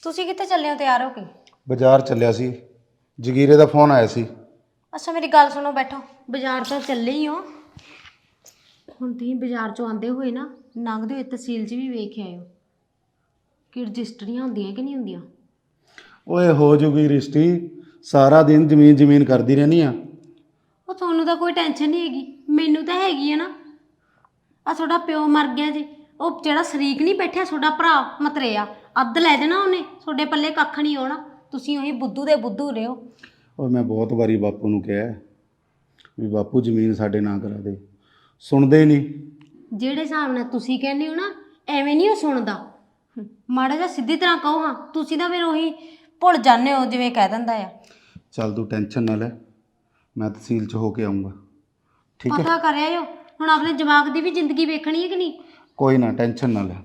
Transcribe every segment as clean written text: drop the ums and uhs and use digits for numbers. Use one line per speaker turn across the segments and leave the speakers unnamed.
ਤੁਸੀਂ ਕਿੱਥੇ ਚੱਲੇ ਹੋ ਤਿਆਰ ਹੋ ਕੇ?
ਬਾਜ਼ਾਰ ਚੱਲਿਆ ਸੀ। ਜਗੀਰੇ ਦਾ ਫੋਨ ਆਇਆ ਸੀ।
ਅੱਛਾ ਮੇਰੀ ਗੱਲ ਸੁਣੋ, ਬੈਠੋ। ਬਾਜ਼ਾਰ ਤਾਂ ਚੱਲੇ ਹੀ ਹੋ। ਹੁਣ ਤੁਸੀਂ ਬਾਜ਼ਾਰ ਚੋਂ ਆਉਂਦੇ ਹੋਏ ਨਾ, ਲੰਘਦੇ ਹੋਏ ਤਹਿਸੀਲ 'ਚ ਵੀ ਵੇਖ ਆਇਓ ਕਿ ਰਜਿਸਟਰੀਆਂ ਹੁੰਦੀਆਂ ਕਿ ਨਹੀਂ ਹੁੰਦੀਆਂ।
ਓਏ ਹੋ ਜੂਗੀ ਰਿਸ਼ਤੀ। ਸਾਰਾ ਦਿਨ ਜ਼ਮੀਨ ਜ਼ਮੀਨ ਕਰਦੀ ਰਹਿੰਦੀ ਆ।
ਉਹ ਤੁਹਾਨੂੰ ਤਾਂ ਕੋਈ ਟੈਨਸ਼ਨ ਨਹੀਂ ਹੈਗੀ, ਮੈਨੂੰ ਤਾਂ ਹੈਗੀ ਆ ਨਾ। ਆ ਤੁਹਾਡਾ ਪਿਓ ਮਰ ਗਿਆ ਜੀ, ਉਹ ਜਿਹੜਾ ਸ਼ਰੀਕ ਨਹੀਂ ਬੈਠਿਆ ਤੁਹਾਡਾ ਭਰਾ ਮਤਰੇਆ, ਅੱਧ ਲੈ ਜਾਣਾ ਉਹਨੇ, ਤੁਹਾਡੇ ਪੱਲੇ ਕੱਖ ਨਹੀਂ ਆਉਣਾ। ਤੁਸੀਂ ਉਹੀ ਬੁੱਧੂ ਦੇ ਬੁੱਧੂ ਰਹੋ।
ਓਏ ਮੈਂ ਬਹੁਤ ਵਾਰੀ ਬਾਪੂ ਨੂੰ ਕਿਹਾ ਵੀ ਬਾਪੂ ਜ਼ਮੀਨ ਸਾਡੇ ਨਾਂ ਕਰਾ ਦੇ, ਸੁਣਦੇ ਹੀ ਨਹੀਂ।
ਜਿਹੜੇ ਹਿਸਾਬ ਨਾਲ ਤੁਸੀਂ ਕਹਿੰਦੇ ਹੋ ਨਾ, ਐਵੇਂ ਨਹੀਂ ਉਹ ਸੁਣਦਾ। ਮਾੜਾ ਜਿਹਾ ਸਿੱਧੀ ਤਰ੍ਹਾਂ ਕਹੋ ਹਾਂ, ਤੁਸੀਂ ਤਾਂ ਫਿਰ ਉਹੀ ਭੁੱਲ ਜਾਂਦੇ ਹੋ ਜਿਵੇਂ ਕਹਿ ਦਿੰਦਾ ਆ।
ਚੱਲ ਤੂੰ ਟੈਨਸ਼ਨ ਨਾ ਲੈ, ਮੈਂ ਤਹਿਸੀਲ 'ਚ ਹੋ ਕੇ ਆਊਂਗਾ। ਠੀਕ ਹੈ,
ਪਤਾ ਕਰਿਆ ਹੋ। ਹੁਣ ਆਪਣੇ ਜਵਾਕ ਦੀ ਵੀ ਜ਼ਿੰਦਗੀ ਵੇਖਣੀ ਹੈ ਕਿ ਨਹੀਂ?
ਕੋਈ ਨਾ ਟੈਨਸ਼ਨ ਨਾ ਲੈ।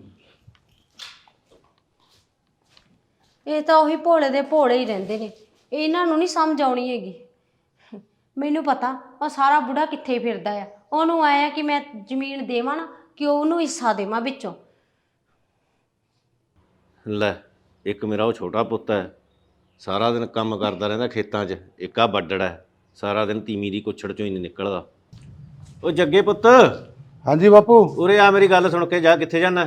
ਇਹ ਤਾਂ ਉਹੀ ਭੋਲੇ ਦੇ ਭੋਲੇ ਹੀ ਰਹਿੰਦੇ ਨੇ, ਇਹਨਾਂ ਨੂੰ ਨਹੀਂ ਸਮਝ ਆਉਣੀ ਹੈਗੀ। ਮੈਨੂੰ ਪਤਾ ਉਹ ਸਾਰਾ ਬੁੜਾ ਕਿੱਥੇ ਫਿਰਦਾ ਆ। ਉਹਨੂੰ ਆਇਆ ਕਿ ਮੈਂ ਜ਼ਮੀਨ ਦੇਵਾਂ ਨਾ, ਕਿ ਉਹਨੂੰ ਹਿੱਸਾ ਦੇਵਾਂ ਵਿੱਚੋਂ।
ਲੈ, ਇੱਕ ਮੇਰਾ ਉਹ ਛੋਟਾ ਪੁੱਤ ਹੈ, ਸਾਰਾ ਦਿਨ ਕੰਮ ਕਰਦਾ ਰਹਿੰਦਾ ਖੇਤਾਂ 'ਚ। ਇੱਕ ਆ ਬੱਡੜ ਹੈ, ਸਾਰਾ ਦਿਨ ਤੀਵੀਂ ਦੀ ਕੁੱਛੜ 'ਚੋਂ ਹੀ ਨਹੀਂ ਨਿਕਲਦਾ। ਉਹ ਜੱਗੇ ਪੁੱਤ,
ਹਾਂਜੀ ਬਾਪੂ।
ਉਰੇ ਆ, ਮੇਰੀ ਗੱਲ ਸੁਣ ਕੇ ਜਾ। ਕਿੱਥੇ ਜਾਣਾ?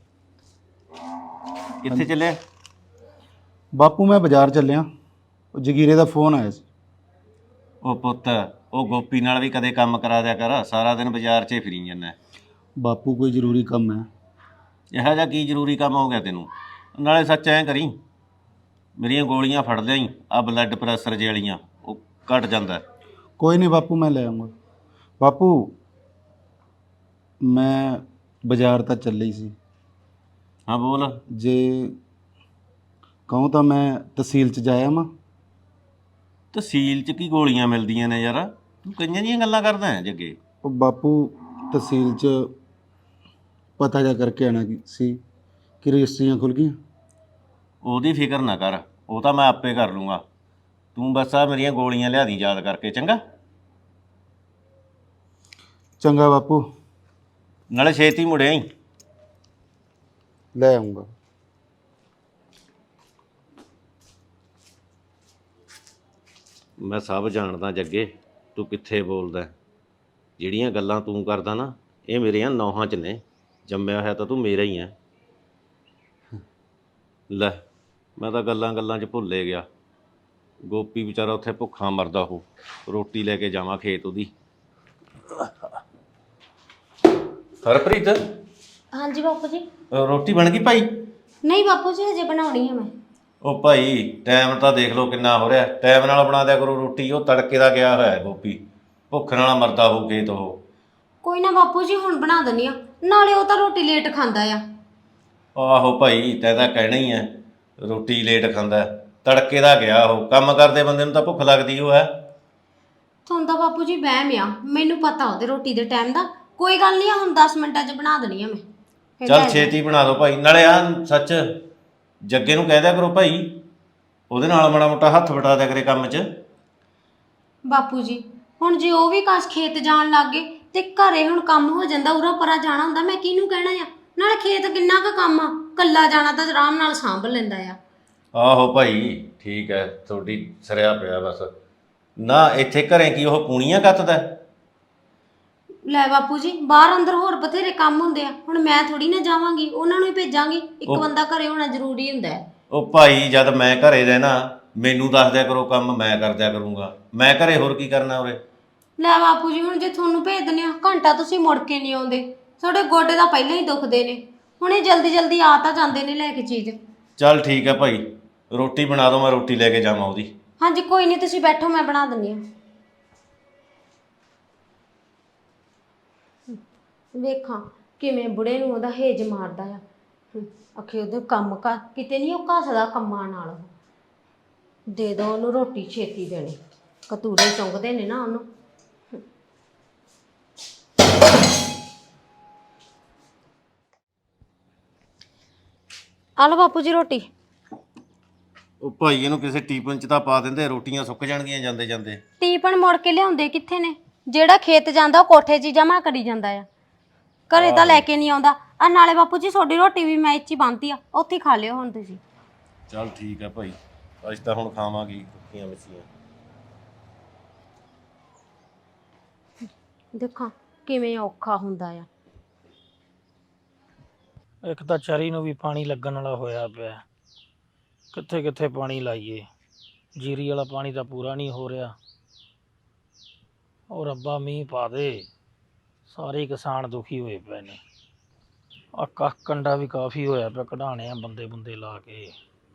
ਕਿੱਥੇ ਚੱਲਿਆ?
ਬਾਪੂ ਮੈਂ ਬਾਜ਼ਾਰ ਚੱਲਿਆ, ਉਹ ਜਗੀਰੇ ਦਾ ਫੋਨ ਆਇਆ ਸੀ।
ਉਹ ਪੁੱਤ, ਉਹ ਗੋਪੀ ਨਾਲ ਵੀ ਕਦੇ ਕੰਮ ਕਰਾ ਦਿਆ ਕਰ, ਸਾਰਾ ਦਿਨ ਬਾਜ਼ਾਰ 'ਚ ਹੀ ਫਿਰੀ ਜਾਂਦਾ।
ਬਾਪੂ ਕੋਈ ਜ਼ਰੂਰੀ ਕੰਮ ਹੈ।
ਇਹੋ ਜਿਹਾ ਕੀ ਜ਼ਰੂਰੀ ਕੰਮ ਹੋ ਗਿਆ ਤੈਨੂੰ? ਨਾਲੇ ਸੱਚ ਐਂ ਕਰੀ, ਮੇਰੀਆਂ ਗੋਲੀਆਂ ਫੜ ਲਿਆਈ, ਆ ਬਲੱਡ ਪ੍ਰੈਸ਼ਰ ਜੇ ਵਾਲੀਆਂ, ਉਹ ਘਟ ਜਾਂਦਾ।
ਕੋਈ ਨਹੀਂ ਬਾਪੂ, ਮੈਂ ਲੈ ਆਊਂਗਾ। ਬਾਪੂ ਮੈਂ ਬਾਜ਼ਾਰ ਤਾਂ ਚੱਲੇ ਹੀ ਸੀ।
ਹਾਂ ਬੋਲ।
ਜੇ ਕਹੂੰ ਤਾਂ ਮੈਂ ਤਹਿਸੀਲ 'ਚ ਜਾਇਆ ਵਾਂ।
ਤਹਿਸੀਲ 'ਚ ਕੀ ਗੋਲੀਆਂ ਮਿਲਦੀਆਂ ਨੇ ਯਾਰ? ਤੂੰ ਕਈਆਂ ਦੀਆਂ ਗੱਲਾਂ ਕਰਦਾ ਹੈ ਜੱਗੇ।
ਉਹ ਬਾਪੂ ਤਹਿਸੀਲ 'ਚ ਪਤਾ ਜਾ ਕਰਕੇ ਆਉਣਾ ਸੀ ਕਿ ਰਜਿਸਟਰੀਆਂ ਖੁੱਲ੍ਹ ਗਈਆਂ।
ਉਹਦੀ ਫਿਕਰ ਨਾ ਕਰ, ਉਹ ਤਾਂ ਮੈਂ ਆਪੇ ਕਰ ਲੂੰਗਾ। ਤੂੰ ਬਸ ਆ ਮੇਰੀਆਂ ਗੋਲੀਆਂ ਲਿਆ ਦੀ ਯਾਦ ਕਰਕੇ, ਚੰਗਾ?
ਚੰਗਾ ਬਾਪੂ,
ਨਾਲੇ ਛੇਤੀ ਮੁੜਿਆ ਹੀ।
ਲੈ ਆਊਂਗਾ।
ਮੈਂ ਸਭ ਜਾਣਦਾ ਜੱਗੇ, ਤੂੰ ਕਿੱਥੇ ਬੋਲਦਾ। ਜਿਹੜੀਆਂ ਗੱਲਾਂ ਤੂੰ ਕਰਦਾ ਨਾ, ਇਹ ਮੇਰੀਆਂ ਨੌਹਾਂ 'ਚ ਨੇ। ਜੰਮਿਆ ਹੋਇਆ ਤਾਂ ਤੂੰ ਮੇਰਾ ਹੀ ਹੈ। ਲੈ, ਮੈਂ ਤਾਂ ਗੱਲਾਂ ਗੱਲਾਂ 'ਚ ਭੁੱਲੇ ਗਿਆ। ਗੋਪੀ ਵਿਚਾਰਾ ਉੱਥੇ ਭੁੱਖਾ ਮਰਦਾ, ਉਹ ਰੋਟੀ ਲੈ ਕੇ ਜਾਵਾਂ ਖੇਤ ਉਹਦੀ। ਹਰਪ੍ਰੀਤ,
ਹਾਂਜੀ ਬਾਪੂ ਜੀ।
ਰੋਟੀ ਬਣ ਗਈ ਭਾਈ?
ਨਹੀਂ ਬਾਪੂ ਜੀ, ਹਜੇ ਬਣਾਉਣੀ ਆ ਮੈਂ।
ਉਹ ਭਾਈ, ਟਾਈਮ ਤਾਂ ਦੇਖ ਲਓ ਕਿੰਨਾ ਹੋ ਰਿਹਾ। ਟਾਈਮ ਨਾਲ ਬਣਾ ਦਿਆ ਕਰੋ ਰੋਟੀ। ਉਹ ਤੜਕੇ ਦਾ ਗਿਆ ਹੋਇਆ ਗੋਪੀ, ਭੁੱਖ ਨਾਲ ਮਰਦਾ ਹੋ ਖੇਤ ਉਹ।
ਕੋਈ ਨਾ ਬਾਪੂ ਜੀ, ਹੁਣ ਬਣਾ ਦਿੰਦੀ ਆ। ਨਾਲੇ ਉਹ ਤਾਂ ਰੋਟੀ ਲੇਟ ਖਾਂਦਾ ਆ।
ਆਹੋ ਭਾਈ, ਤੈਂ ਤਾਂ ਕਹਿਣਾ ਹੀ ਹੈ, ਰੋਟੀ ਲੇਟ ਖਾਂਦਾ। ਤੜਕੇ ਦਾ ਗਿਆ ਉਹ। ਕੰਮ ਕਰਦੇ ਬੰਦੇ ਨੂੰ ਤਾਂ ਭੁੱਖ ਲੱਗਦੀ ਉਹ ਹੈ।
ਤੁਹਾਨੂੰ ਤਾਂ ਬਾਪੂ ਜੀ ਵਹਿਮ ਆ, ਮੈਨੂੰ ਪਤਾ ਉਹਦੇ ਰੋਟੀ ਦੇ ਟਾਈਮ ਦਾ। ਕੋਈ ਗੱਲ ਨਹੀਂ, ਹੁਣ 10 ਮਿੰਟਾਂ 'ਚ ਬਣਾ ਦੇਣੀ ਆ ਮੈਂ।
ਚੱਲ ਛੇਤੀ ਬਣਾ ਦਿਓ ਭਾਈ। ਨਾਲੇ ਆ ਸੱਚ, ਜੱਗੇ ਨੂੰ ਕਹਿ ਦਿਆ ਕਰੋ ਭਾਈ, ਉਹਦੇ ਨਾਲ ਮਾੜਾ ਮੋਟਾ ਹੱਥ ਵਟਾ ਦਿਆ ਕਰੇ ਕੰਮ 'ਚ।
ਬਾਪੂ ਜੀ ਹੁਣ ਜੇ ਉਹ ਵੀ ਕਾਸ ਖੇਤ ਜਾਣ ਲੱਗ ਗਏ ਤੇ ਘਰੇ ਹੁਣ ਕੰਮ ਹੋ ਜਾਂਦਾ, ਉਰਾ ਪਰਾ ਜਾਣਾ ਹੁੰਦਾ, ਮੈਂ ਕਿਹਨੂੰ ਕਹਿਣਾ ਆ? ਨਾਲੇ ਖੇਤ ਕਿੰਨਾ ਕੁ ਕੰਮ ਆ, ਕੱਲਾ ਜਾਣਾ ਤਾਂ ਆਰਾਮ ਨਾਲ ਸਾਂਭ ਲੈਂਦਾ ਆ।
ਆਹੋ ਭਾਈ, ਠੀਕ ਹੈ, ਤੁਹਾਡੀ ਸਰਿਆ ਪਿਆ ਬਸ। ਨਾ ਇੱਥੇ ਘਰੇ ਕੀ ਉਹ ਪੂਣੀਆਂ ਕੱਤਦਾ?
ਲੈ ਬਾਪੂ ਜੀ, ਬਾਹਰ ਅੰਦਰ ਹੋਰ ਬਥੇਰੇ ਕੰਮ ਹੁੰਦੇ ਆ। ਹੁਣ ਮੈਂ ਥੋੜੀ ਨਾ ਜਾਵਾਂਗੀ, ਉਹਨਾਂ ਨੂੰ ਹੀ ਭੇਜਾਂਗੀ। ਇੱਕ ਬੰਦਾ ਘਰੇ ਹੋਣਾ ਜ਼ਰੂਰੀ ਹੁੰਦਾ ਹੈ।
ਉਹ ਭਾਈ, ਜਦ ਮੈਂ ਘਰੇ ਰਹਿਣਾ, ਮੈਨੂੰ ਦੱਸ ਦਿਆ ਕਰੋ ਕੰਮ, ਮੈਂ ਕਰ ਦਿਆ ਕਰੂੰਗਾ। ਮੈਂ ਘਰੇ ਹੋਰ ਕੀ ਕਰਨਾ ਉਰੇ?
ਲੈ ਬਾਪੂ ਜੀ, ਹੁਣ ਜੇ ਤੁਹਾਨੂੰ ਭੇਜ ਦਿੰਦੇ ਆ, ਘੰਟਾ ਤੁਸੀਂ ਮੁੜ ਕੇ ਨਹੀਂ ਆਉਂਦੇ। ਤੁਹਾਡੇ ਗੋਡੇ ਤਾਂ ਪਹਿਲਾਂ ਹੀ ਦੁਖਦੇ ਨੇ, ਹੁਣ ਇਹ ਜਲਦੀ ਜਲਦੀ ਆ ਤਾਂ ਜਾਂਦੇ ਨੇ ਲੈ ਕੇ ਚੀਜ਼।
ਚੱਲ ਠੀਕ ਹੈ ਭਾਈ, ਰੋਟੀ ਬਣਾ ਦਿਓ, ਮੈਂ ਰੋਟੀ ਲੈ ਕੇ ਜਾਵਾਂ ਉਹਦੀ।
ਹਾਂਜੀ ਕੋਈ ਨਹੀਂ, ਤੁਸੀਂ ਬੈਠੋ, ਮੈਂ ਬਣਾ ਦਿੰਦੀ ਹਾਂ। ਵੇਖਾਂ ਕਿਵੇਂ ਬੁੜੇ ਨੂੰ ਉਹਦਾ ਹੇਜ ਮਾਰਦਾ ਆ। ਆਖੇ ਉਹਦੇ ਕੰਮ ਕਰ, ਕਿਤੇ ਨਹੀਂ ਉਹ ਘਸਦਾ ਕੰਮਾਂ ਨਾਲ। ਦੇ ਦੋ ਉਹਨੂੰ ਰੋਟੀ, ਛੇਤੀ ਦੇਣੀ। ਕਤੂਰੇ ਚੁੰਗਦੇ ਨੇ ਨਾ ਉਹਨੂੰ। ਆ ਲਓ ਬਾਪੂ ਜੀ ਰੋਟੀ।
ਉਹ ਭਾਈ, ਇਹਨੂੰ ਕਿਸੇ ਟੀਪਨ 'ਚ ਤਾਂ ਪਾ ਦਿੰਦੇ, ਰੋਟੀਆਂ ਸੁੱਕ ਜਾਣਗੀਆਂ ਜਾਂਦੇ ਜਾਂਦੇ।
ਟੀਪਨ ਮੁੜ ਕੇ ਲਿਆਉਂਦੇ ਕਿੱਥੇ ਨੇ? ਜਿਹੜਾ ਖੇਤ ਜਾਂਦਾ ਉਹ ਕੋਠੇ 'ਚ ਹੀ ਜਮਾ ਕਰੀ ਜਾਂਦਾ ਆ, ਘਰੇ ਤਾਂ ਲੈ ਕੇ ਨਹੀਂ ਆਉਂਦਾ। ਆ ਨਾਲੇ ਬਾਪੂ ਜੀ ਤੁਹਾਡੀ ਰੋਟੀ ਵੀ ਮੈਂ ਇੱਥੇ ਹੀ ਬੰਨ੍ਹਤੀ ਆ, ਉੱਥੇ ਹੀ ਖਾ ਲਿਓ ਹੁਣ ਤੁਸੀਂ।
ਚੱਲ ਠੀਕ ਹੈ ਭਾਈ, ਅੱਜ ਤਾਂ ਹੁਣ ਖਾਵਾਂਗੀ ਰੋਟੀਆਂ ਮੱਛੀਆਂ।
ਦੇਖਾਂ ਕਿਵੇਂ ਔਖਾ ਹੁੰਦਾ ਆ।
ਇੱਕ ਤਾਂ ਚਰੀ ਨੂੰ ਵੀ ਪਾਣੀ ਲੱਗਣ ਵਾਲਾ ਹੋਇਆ ਪਿਆ, ਕਿੱਥੇ ਕਿੱਥੇ ਪਾਣੀ ਲਾਈਏ। ਜੀਰੀ ਵਾਲਾ ਪਾਣੀ ਤਾਂ ਪੂਰਾ ਨਹੀਂ ਹੋ ਰਿਹਾ। ਉਹ ਰੱਬਾ ਮੀਂਹ ਪਾ ਦੇ, ਸਾਰੇ ਕਿਸਾਨ ਦੁਖੀ ਹੋਏ ਪਏ ਨੇ। ਆ ਕੱਖ ਕੰਡਾ ਵੀ ਕਾਫੀ ਹੋਇਆ ਪਿਆ, ਕਢਾਣੇ ਆ ਬੰਦੇ ਬੰਦੇ ਲਾ ਕੇ।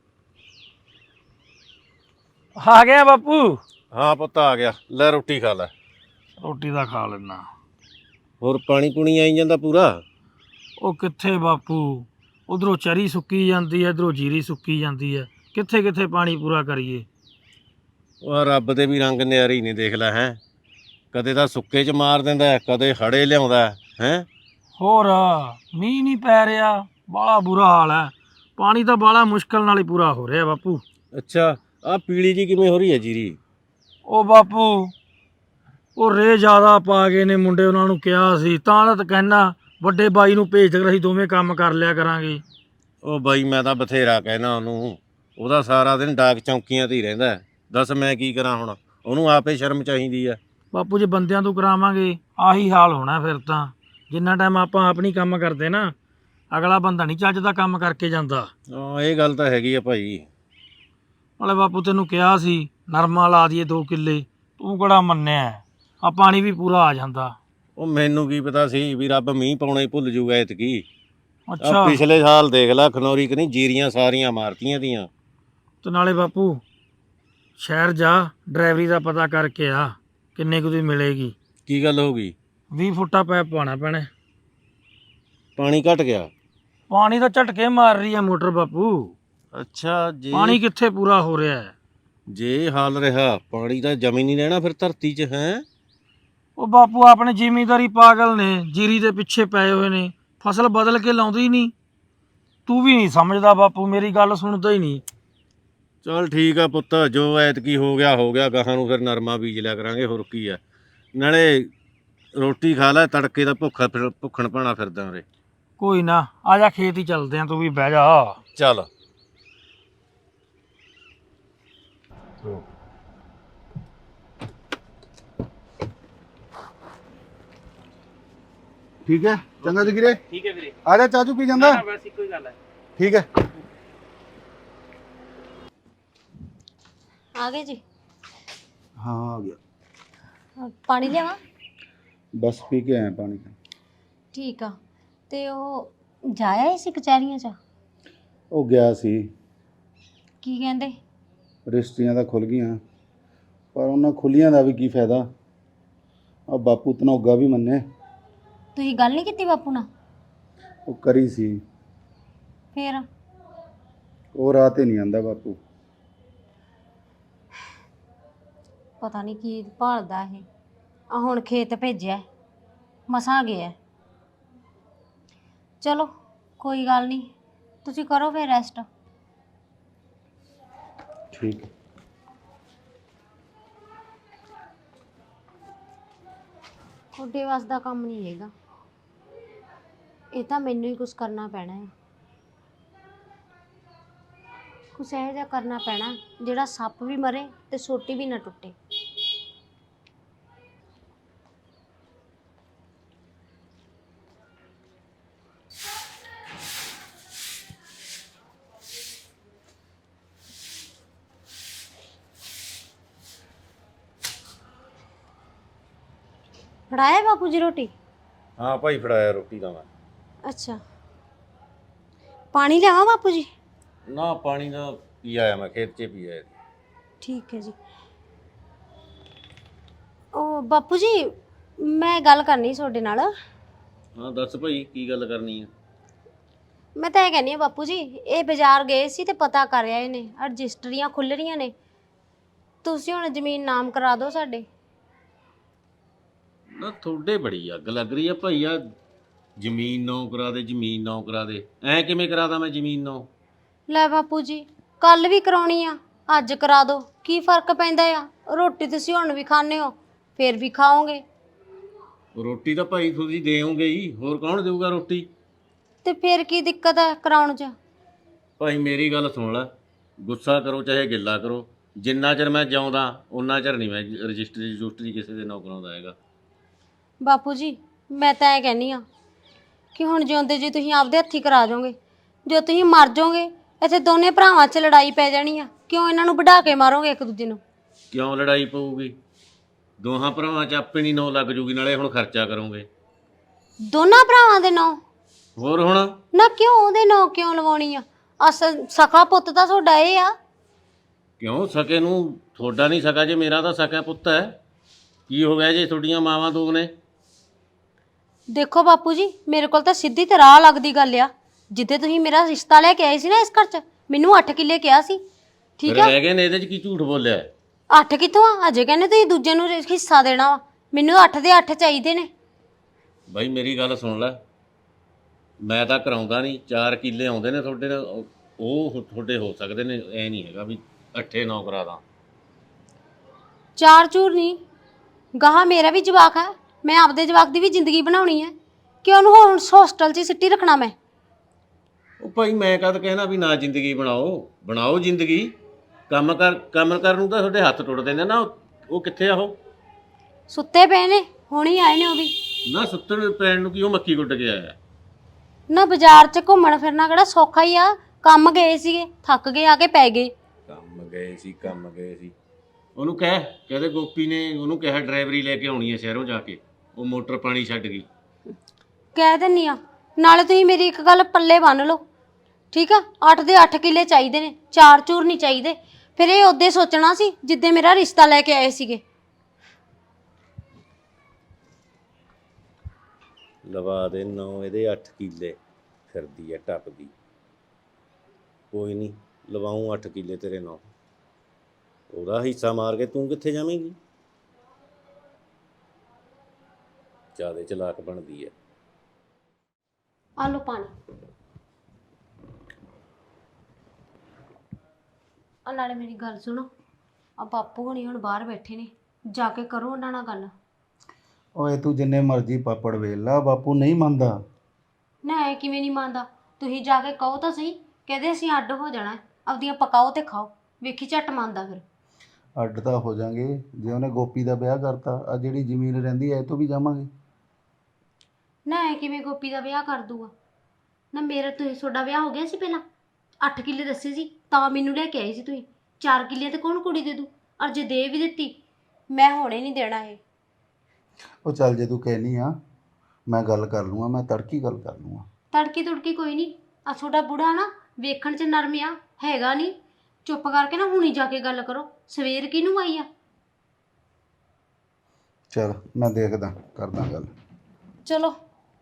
ਆ ਗਿਆ ਬਾਪੂ।
ਹਾਂ ਪੁੱਤ ਆ ਗਿਆ, ਲੈ ਰੋਟੀ ਖਾ ਲੈ।
ਰੋਟੀ ਦਾ ਖਾ ਲੈਣਾ।
ਹੋਰ ਪਾਣੀ ਪੂਣੀ ਆਈ ਜਾਂਦਾ ਪੂਰਾ?
ਉਹ ਕਿੱਥੇ ਬਾਪੂ, ਉਧਰੋਂ ਚਰੀ ਸੁੱਕੀ ਜਾਂਦੀ ਹੈ, ਇਧਰੋਂ ਜੀਰੀ ਸੁੱਕੀ ਜਾਂਦੀ ਹੈ, ਕਿੱਥੇ ਕਿੱਥੇ ਪਾਣੀ ਪੂਰਾ ਕਰੀਏ।
ਉਹ ਰੱਬ ਦੇ ਵੀ ਰੰਗ ਨਿਆਰੀ ਨਹੀਂ, ਦੇਖ ਲੈ ਹੈ, ਕਦੇ ਤਾਂ ਸੁੱਕੇ 'ਚ ਮਾਰ ਦਿੰਦਾ, ਕਦੇ ਹੜੇ ਲਿਆਉਂਦਾ ਹੈ।
ਹੋਰ ਮੀਂਹ ਨਹੀਂ ਪੈ ਰਿਹਾ, ਬਾਹਲਾ ਬੁਰਾ ਹਾਲ ਹੈ। ਪਾਣੀ ਤਾਂ ਬਾਹਲਾ ਮੁਸ਼ਕਲ ਨਾਲ ਹੀ ਪੂਰਾ ਹੋ ਰਿਹਾ ਬਾਪੂ।
ਅੱਛਾ, ਆਹ ਪੀਲੀ ਜੀ ਕਿਵੇਂ ਹੋ ਰਹੀ ਹੈ ਜੀਰੀ?
ਉਹ ਬਾਪੂ ਉਹ ਰੇ ਜ਼ਿਆਦਾ ਪਾ ਗਏ ਨੇ ਮੁੰਡੇ, ਉਹਨਾਂ ਨੂੰ ਕਿਹਾ ਸੀ ਤਾਂ ਕਹਿਣਾ ਵੱਡੇ ਬਾਈ ਨੂੰ ਭੇਜ ਦੇ, ਅਸੀਂ ਦੋਵੇਂ ਕੰਮ ਕਰ ਲਿਆ ਕਰਾਂਗੇ।
ਉਹ ਬਾਈ ਮੈਂ ਤਾਂ ਬਥੇਰਾ ਕਹਿਣਾ ਉਹਨੂੰ, ਉਹਦਾ ਸਾਰਾ ਦਿਨ ਡਾਕ ਚੌਂਕੀਆਂ ਤੇ ਹੀ ਰਹਿੰਦਾ। ਦੱਸ ਮੈਂ ਕੀ ਕਰਾਂ ਹੁਣ, ਉਹਨੂੰ ਆਪੇ ਸ਼ਰਮ ਚਾਹੀਦੀ ਆ।
ਬਾਪੂ ਜੇ ਬੰਦਿਆਂ ਤੋਂ ਕਰਾਵਾਂਗੇ ਆਹੀ ਹਾਲ ਹੋਣਾ ਫਿਰ ਤਾਂ। ਜਿੰਨਾ ਟਾਈਮ ਆਪਾਂ ਆਪ ਨਹੀਂ ਕੰਮ ਕਰਦੇ ਨਾ, ਅਗਲਾ ਬੰਦਾ ਨਹੀਂ ਚੱਜ ਦਾ ਕੰਮ ਕਰਕੇ ਜਾਂਦਾ।
ਹਾਂ ਇਹ ਗੱਲ ਤਾਂ ਹੈਗੀ ਆ ਭਾਈ।
ਨਾਲੇ ਬਾਪੂ ਤੈਨੂੰ ਕਿਹਾ ਸੀ ਨਰਮਾ ਲਾ ਦਈਏ 2 ਕਿੱਲੇ, ਤੂੰ ਕਿਹੜਾ ਮੰਨਿਆ। ਆ ਪਾਣੀ ਵੀ ਪੂਰਾ ਆ ਜਾਂਦਾ।
ਉਹ ਮੈਨੂੰ ਕੀ ਪਤਾ ਸੀ ਵੀ ਰੱਬ ਮੀਂਹ ਪਾਉਣਾ ਹੀ ਭੁੱਲ ਜੂਗਾ ਐਤਕੀ।
ਅੱਛਾ,
ਪਿਛਲੇ ਸਾਲ ਦੇਖ ਲੈ ਖਨੌਰੀ ਕਨੀ ਜੀਰੀਆਂ ਸਾਰੀਆਂ ਮਾਰਤੀਆਂ ਦੀਆਂ।
ਤੇ ਨਾਲੇ ਬਾਪੂ ਸ਼ਹਿਰ ਜਾ, ਡਰਾਈਵਰੀ ਦਾ ਪਤਾ ਕਰਕੇ ਆ ਕਿੰਨੇ ਕੁ ਦੀ ਮਿਲੇਗੀ।
ਕੀ ਗੱਲ ਹੋ ਗਈ?
20 ਫੁੱਟਾ ਪੈਪ ਪਾਉਣਾ ਪੈਣਾ।
ਪਾਣੀ ਘਟ ਗਿਆ?
ਪਾਣੀ ਤਾਂ ਝਟਕੇ ਮਾਰ ਰਹੀ ਹੈ ਮੋਟਰ ਬਾਪੂ।
ਅੱਛਾ,
ਪਾਣੀ ਕਿੱਥੇ ਪੂਰਾ ਹੋ ਰਿਹਾ ਹੈ।
ਜੇ ਹਾਲ ਰਿਹਾ ਪਾਣੀ ਤਾਂ ਜਮੀ ਨਹੀਂ ਰਹਿਣਾ ਫਿਰ ਧਰਤੀ 'ਚ ਹੈ।
ਉਹ ਬਾਪੂ ਆਪਣੇ ਜ਼ਿਮੀਂਦਾਰੀ ਪਾਗਲ ਨੇ, ਜੀਰੀ ਦੇ ਪਿੱਛੇ ਪਏ ਹੋਏ ਨੇ, ਫਸਲ ਬਦਲ ਕੇ ਲਾਉਂਦੇ ਹੀ ਨਹੀਂ। ਤੂੰ ਵੀ ਨਹੀਂ ਸਮਝਦਾ ਬਾਪੂ, ਮੇਰੀ ਗੱਲ ਸੁਣਦਾ ਹੀ ਨਹੀਂ।
ਚਲ ਠੀਕ ਆ ਪੁੱਤ, ਜੋ ਐਤਕੀ ਹੋ ਗਿਆ, ਗਾਹਾਂ ਨੂੰ ਫਿਰ ਨਰਮਾ ਬੀਜ ਲਿਆ ਕਰਾਂਗੇ, ਹੋਰ ਕੀ ਆ। ਨਾਲੇ ਰੋਟੀ ਖਾ ਲੈ, ਤੜਕੇ ਦਾ ਭੁੱਖਣ ਭਾਣਾ ਫਿਰਦਾ ਉਰੇ।
ਕੋਈ ਨਾ, ਆ ਜਾ ਖੇਤ ਹੀ ਚੱਲਦੇ ਆ, ਤੂੰ ਵੀ ਬਹਿ ਜਾ।
ਚੱਲ।
ਠੀਕ ਹੈ, ਚੰਗਾ ਜਗੀਰੇ।
ਠੀਕ ਹੈ ਵੀਰੇ।
ਆ ਜਾ, ਚਾਚੂ ਪੀ ਜਾਂਦਾ।
ਬਸ ਇੱਕੋ ਹੀ ਗੱਲ ਹੈ।
ਠੀਕ ਹੈ।
ਆ ਗਏ ਜੀ?
ਹਾਂ ਆ ਗਿਆ।
ਪਾਣੀ ਲਿਆਵਾਂ?
ਬਸ ਪੀ ਕੇ ਆਇਆ ਪਾਣੀ।
ਠੀਕ ਆ। ਤੇ ਉਹ ਜਾਇਆ ਸੀ ਕਚਹਿਰੀਆਂ 'ਚ?
ਉਹ ਗਿਆ ਸੀ।
ਕੀ ਕਹਿੰਦੇ?
ਰਜਿਸਟਰੀਆਂ ਤਾਂ ਖੁੱਲ ਗਈਆਂ, ਪਰ ਉਹਨਾਂ ਖੁੱਲੀਆਂ ਦਾ ਵੀ ਕੀ ਫਾਇਦਾ। ਆ ਬਾਪੂ ਧਨੌਗਾ ਵੀ ਮੰਨੇ।
ਤੁਸੀਂ ਗੱਲ ਨਹੀਂ ਕੀਤੀ ਬਾਪੂ ਨਾਲ?
ਉਹ ਕਰੀ ਸੀ,
ਫੇਰ?
ਉਹ ਰਾਹ ਤੇ ਨਹੀਂ ਆਂਦਾ ਬਾਪੂ।
ਪਤਾ ਨਹੀਂ ਕੀ ਭਾਲਦਾ ਇਹ। ਆ ਹੁਣ ਖੇਤ ਭੇਜਿਆ, ਮਸਾਂ ਗਿਆ। ਚਲੋ ਕੋਈ ਗੱਲ ਨਹੀਂ, ਤੁਸੀਂ ਕਰੋ ਫਿਰ ਰੈਸਟ।
ਠੀਕ ਹੈ।
ਤੁਹਾਡੇ ਵੱਸ ਦਾ ਕੰਮ ਨਹੀਂ ਹੈਗਾ, ਇਹ ਤਾਂ ਮੈਨੂੰ ਹੀ ਕੁਝ ਕਰਨਾ ਪੈਣਾ ਹੈ। ਕੁਛ ਇਹੋ ਜਿਹਾ ਕਰਨਾ ਪੈਣਾ ਜਿਹੜਾ ਸੱਪ ਵੀ ਮਰੇ ਤੇ ਸੋਟੀ ਵੀ ਨਾ ਟੁੱਟੇ। ਫੜਾਇਆ ਬਾਪੂ ਜੀ ਰੋਟੀ?
ਹਾਂ ਭਾਈ ਫੜਾਇਆ ਰੋਟੀ ਦਾ ਮੈਂ।
ਅੱਛਾ, ਪਾਣੀ ਲਿਆਵਾਂ ਬਾਪੂ ਜੀ?
ਨਾ ਪਾਣੀ ਦਾ ਪੀ ਆਇਆ ਮੈਂ, ਖੇਤ 'ਚ ਪੀ ਆਇਆ।
ਠੀਕ ਹੈ ਜੀ। ਉਹ ਬਾਪੂ ਜੀ ਮੈਂ ਗੱਲ ਕਰਨੀ ਤੁਹਾਡੇ ਨਾਲ।
ਹਾਂ ਦੱਸ ਭਾਈ, ਕੀ ਗੱਲ ਕਰਨੀ ਆ?
ਮੈਂ ਤਾਂ ਇਹ ਕਹਿੰਦੀ ਹਾਂ ਬਾਪੂ ਜੀ, ਇਹ ਬਾਜ਼ਾਰ ਗਏ ਸੀ ਤੇ ਪਤਾ ਕਰ ਆਏ ਨੇ, ਰਜਿਸਟਰੀਆਂ ਖੁੱਲ ਰਹੀਆਂ ਨੇ, ਤੁਸੀਂ ਹੁਣ ਜ਼ਮੀਨ ਨਾਮ ਕਰਾ ਦਿਓ ਸਾਡੇ।
ਨਾ ਤੁਹਾਡੇ ਬੜੀ ਅੱਗ ਲੱਗ ਰਹੀ ਆ ਭਾਈ, ਆ ਜ਼ਮੀਨ ਨੌ ਕਰਾ ਦੇ, ਜ਼ਮੀਨ ਨੌ ਕਰਾ ਦੇ। ਐ ਕਿਵੇਂ ਕਰਾਦਾ ਮੈਂ ਜ਼ਮੀਨ ਨੌ?
ਲੈ ਬਾਪੂ ਜੀ, ਕੱਲ ਵੀ ਕਰਾਉਣੀ ਆ, ਅੱਜ ਕਰਾ ਦਿਓ, ਕੀ ਫਰਕ ਪੈਂਦਾ ਆ? ਰੋਟੀ ਤੁਸੀਂ ਹੁਣ ਵੀ ਖਾਂਦੇ ਹੋ, ਫੇਰ ਵੀ ਖਾਓਗੇ।
ਰੋਟੀ ਤਾਂ ਭਾਈ ਤੁਸੀਂ ਦੇਵੋਗੇ ਹੀ, ਹੋਰ ਕੌਣ ਦੇਊਗਾ ਰੋਟੀ?
ਤੇ ਫੇਰ ਕੀ ਦਿੱਕਤ ਹੈ ਕਰਾਉਣ 'ਚ?
ਭਾਈ ਮੇਰੀ ਗੱਲ ਸੁਣ ਲੈ, ਗੁੱਸਾ ਕਰੋ ਚਾਹੇ ਗਿੱਲਾ ਕਰੋ, ਜਿੰਨਾ ਚਿਰ ਮੈਂ ਜਿਉਂਦਾ ਉਹਨਾਂ ਚਿਰ ਨਹੀਂ ਮੈਂ ਰਜਿਸਟਰੀ ਕਿਸੇ ਦੇ ਨਾਂ ਕਰਾਉਂਦਾ ਹੈਗਾ।
ਬਾਪੂ ਜੀ ਮੈਂ ਤਾਂ ਇਹ ਕਹਿੰਦੀ ਆ ਕਿ ਹੁਣ ਜਿਉਂਦੇ ਜੀ ਤੁਸੀਂ ਆਪਦੇ ਹੱਥੀ ਕਰਾ ਜਾਓਗੇ, ਜੋ ਤੁਸੀਂ ਮਰ ਜਾਓਗੇ ਇੱਥੇ ਦੋਨੇ ਭਰਾਵਾਂ 'ਚ ਲੜਾਈ ਪੈ ਜਾਣੀ ਆ। ਕਿਉਂ ਇਹਨਾਂ ਨੂੰ ਵਢਾ ਕੇ ਮਾਰੋਗੇ ਇੱਕ ਦੂਜੇ ਨੂੰ?
ਕਿਉਂ ਲੜਾਈ ਪਊਗੀ? ਦੋਹਾਂ ਭਰਾਵਾਂ 'ਚ ਆਪੇ ਨਹੀਂ ਨੌ ਲੱਗ ਜੂਗੀ, ਨਾਲੇ ਹੁਣ ਖਰਚਾ ਕਰੋਗੇ।
ਦੋਨਾਂ ਭਰਾਵਾਂ ਦੇ ਨਾਂ?
ਹੋਰ ਹੁਣ
ਨਾ ਕਿਉਂ ਉਹਦੇ ਨਾਂ ਕਿਉਂ ਲਵਾਉਣੀ ਆ? ਅਸਲ ਸਖਾ ਪੁੱਤ ਤਾਂ ਤੁਹਾਡਾ ਇਹ ਆ।
ਕਿਉਂ ਸਕੇ ਨੂੰ ਤੁਹਾਡਾ ਨਹੀਂ ਸਕਾ, ਜੇ ਮੇਰਾ ਤਾਂ ਸਕਾ ਪੁੱਤ ਹੈ। ਕੀ ਹੋ ਗਿਆ ਜੇ ਤੁਹਾਡੀਆਂ ਮਾਵਾਂ ਦੋ ਨੇ?
ਦੇਖੋ ਬਾਪੂ ਜੀ ਮੇਰੇ ਕੋਲ ਤਾਂ ਸਿੱਧੀ ਤੇ ਰਾਹ ਲੱਗਦੀ ਗੱਲ ਆ। ਜਿੱਦੇ ਤੁਸੀਂ ਮੇਰਾ ਰਿਸ਼ਤਾ ਲੈ ਕੇ ਆਏ ਸੀ ਨਾ ਇਸ ਘਰ 'ਚ, ਮੈਨੂੰ 8 ਕਿੱਲੇ ਕਿਹਾ ਸੀ, ਠੀਕ ਆ?
ਰਹਿ ਗਏ ਨੇ, ਇਹਦੇ 'ਚ ਕੀ ਝੂਠ ਬੋਲਿਆ?
8 ਕਿੱਥੋਂ ਆ? ਅਜੇ ਕਹਿੰਦੇ ਤੁਸੀਂ ਦੂਜੇ ਨੂੰ ਹਿੱਸਾ ਦੇਣਾ ਵਾ। ਮੈਨੂੰ 8 ਦੇ 8 ਚਾਹੀਦੇ ਨੇ।
ਬਾਈ ਮੇਰੀ ਗੱਲ ਸੁਣ ਲੈ, ਮੈਂ ਤਾਂ ਕਰਾਉਂਦਾ ਨਹੀਂ। 4 ਕਿੱਲੇ ਆਉਂਦੇ ਨੇ ਤੁਹਾਡੇ ਨਾਲ, ਉਹ ਤੁਹਾਡੇ ਹੋ ਸਕਦੇ ਨੇ, ਐ ਨਹੀਂ ਹੈਗਾ ਵੀ 8-9 ਕਰਾ ਦਾਂ।
4 ਚੂਰ ਨਹੀਂ, ਗਾਹਾਂ ਮੇਰਾ ਵੀ ਜਵਾਕ ਹੈ, ਮੈਂ ਆਪਦੇ ਜਵਾਕ ਦੀ ਵੀ ਜ਼ਿੰਦਗੀ ਬਣਾਉਣੀ ਹੈ ਕਿ ਉਹਨੂੰ ਹੁਣ ਹੋਸਟਲ 'ਚ ਹੀ ਸਿੱਟੀ ਰੱਖਣਾ ਮੈਂ?
ਉਹ ਭਾਈ ਮੈਂ ਕਦ ਕਹਿਣਾ ਵੀ ਨਾ ਜ਼ਿੰਦਗੀ ਬਣਾਓ ਜ਼ਿੰਦਗੀ। ਕੰਮ ਕਰਨ ਨੂੰ ਤਾਂ ਤੁਹਾਡੇ ਹੱਥ ਟੁੱਟਦੇ ਨੇ ਨਾ। ਉਹ ਕਿੱਥੇ ਆ? ਉਹ
ਸੁੱਤੇ ਪਏ ਨੇ, ਹੁਣ ਹੀ ਆਏ ਨੇ ਉਹ ਵੀ।
ਨਾ ਸੁੱਤਣ ਪੈਣ ਨੂੰ ਕੀ ਉਹ ਮੱਕੀ ਗੁੱਡ ਕੇ ਆਇਆ?
ਨਾ ਬਾਜ਼ਾਰ 'ਚ ਘੁੰਮਣ ਫਿਰਨਾ ਕਿਹੜਾ ਸੌਖਾ ਹੀ ਆ? ਕੰਮ ਗਏ ਸੀਗੇ, ਥੱਕ ਗਏ, ਆ ਕੇ ਪੈ ਗਏ।
ਕੰਮ ਗਏ ਸੀ। ਉਹਨੂੰ ਕਹਿੰਦੇ ਗੋਪੀ ਨੇ ਉਹਨੂੰ ਕਿਹਾ ਡਰਾਈਵਰੀ ਲੈ ਕੇ ਆਉਣੀ ਹੈ ਸ਼ਹਿਰੋਂ ਜਾ ਕੇ, ਉਹ ਮੋਟਰ ਪਾਣੀ ਛੱਡ ਗਈ।
ਕਹਿ ਦਿੰਨੀ ਆ। ਨਾਲੇ ਤੁਸੀਂ ਮੇਰੀ ਇੱਕ ਗੱਲ ਪੱਲੇ ਬੰਨ ਲਓ, ਠੀਕ ਆ? 8 ਦੇ 8 ਕਿੱਲੇ ਚਾਹੀਦੇ ਨੇ, 4 ਚੂਰ ਨਹੀਂ ਚਾਹੀਦੇ। ਫਿਰ ਇਹ ਉਦੋਂ ਸੋਚਣਾ ਸੀ ਜਿੱਦੇ ਮੇਰਾ ਰਿਸ਼ਤਾ ਲੈ ਕੇ ਆਏ ਸੀਗੇ।
ਲਵਾ ਦੇ 9 ਇਹਦੇ 8 ਕਿੱਲੇ, ਫਿਰਦੀ ਐ ਟੱਪਦੀ। ਕੋਈ ਨਹੀਂ, ਲਵਾਉਂ 8 ਕਿੱਲੇ ਤੇਰੇ ਨਾਂ। ਉਹਦਾ ਹਿੱਸਾ ਮਾਰ ਕੇ ਤੂੰ ਕਿੱਥੇ ਜਾਵੇਂਗੀ? ਜ਼ਿਆਦੇ ਚਲਾਕ ਬਣਦੀ ਐ।
ਆ ਲਓ ਪਾਣੀ। ਆ ਨਾਲੇ ਮੇਰੀ ਗੱਲ ਸੁਣੋ, ਆ ਬਾਪੂ ਹੁਣੀ ਹੁਣ ਬਾਹਰ ਬੈਠੇ ਨੇ, ਜਾ ਕੇ ਕਰੋ ਉਹਨਾਂ ਨਾਲ ਗੱਲ।
ਓਏ ਤੂੰ ਜਿੰਨੇ ਮਰਜ਼ੀ ਪਾਪੜ ਵੇਲ ਲਾ, ਬਾਪੂ ਨਹੀਂ ਮੰਨਦਾ।
ਨਾ ਇਹ ਕਿਵੇਂ ਨਹੀਂ ਮੰਨਦਾ? ਤੁਸੀਂ ਜਾ ਕੇ ਕਹੋ ਤਾਂ ਸਹੀ, ਕਹਿੰਦੇ ਅਸੀਂ ਅੱਡ ਹੋ ਜਾਣਾ, ਆਪਦੀਆਂ ਪਕਾਓ ਤੇ ਖਾਓ, ਵੇਖੀ ਝੱਟ ਮੰਨਦਾ। ਫਿਰ
ਅੱਡ ਤਾਂ ਹੋ ਜਾਾਂਗੇ ਜੇ ਉਹਨੇ ਗੋਪੀ ਦਾ ਵਿਆਹ ਕਰਤਾ। ਆ ਜਿਹੜੀ ਜ਼ਮੀਨ ਰਹਿੰਦੀ ਐ ਇਹ ਤੋਂ ਵੀ ਜਾਵਾਂਗੇ।
ਨਾ ਇਹ ਕਿਵੇਂ ਗੋਪੀ ਦਾ ਵਿਆਹ ਕਰ ਦੂਗਾ? ਨਾ ਮੇਰਾ ਤੁਹਾਡਾ ਵਿਆਹ ਹੋ ਗਿਆ ਸੀ ਪਹਿਲਾਂ? 8 ਕਿੱਲੇ ਦੱਸੇ ਸੀ ਤਾਂ ਮੈਨੂੰ ਲੈ ਕੇ ਆਏ ਸੀ ਤੁਸੀਂ। 4 ਕਿੱਲੇ ਤੇ ਕੌਣ ਕੁੜੀ ਦੇ ਦੂ? ਔਰ ਜੇ ਦੇ ਵੀ ਦਿੱਤੀ ਮੈਂ ਹੁਣੇ ਨਹੀਂ ਦੇਣਾ ਇਹ।
ਉਹ ਚੱਲ ਜੇ ਤੂੰ ਕਹਿਨੀ ਆ ਮੈਂ ਗੱਲ ਕਰ ਲੂੰਗਾ, ਮੈਂ ਤੜਕੀ ਗੱਲ ਕਰ ਲੂੰਗਾ।
ਤੜਕੀ ਤੁੜਕੀ ਕੋਈ ਨਹੀਂ। ਆ ਤੁਹਾਡਾ ਬੁੜਾ ਨਾ ਵੇਖਣ 'ਚ ਨਰਮ ਆ, ਹੈਗਾ ਨਹੀਂ। ਚੁੱਪ ਕਰਕੇ ਨਾ ਹੁਣੀ ਜਾ ਕੇ ਗੱਲ ਕਰੋ। ਸਵੇਰ ਕਿਹਨੂੰ ਆਈ ਆ?
ਚਲ ਮੈਂ ਦੇਖਦਾ, ਕਰਦਾ ਗੱਲ।
ਚਲੋ।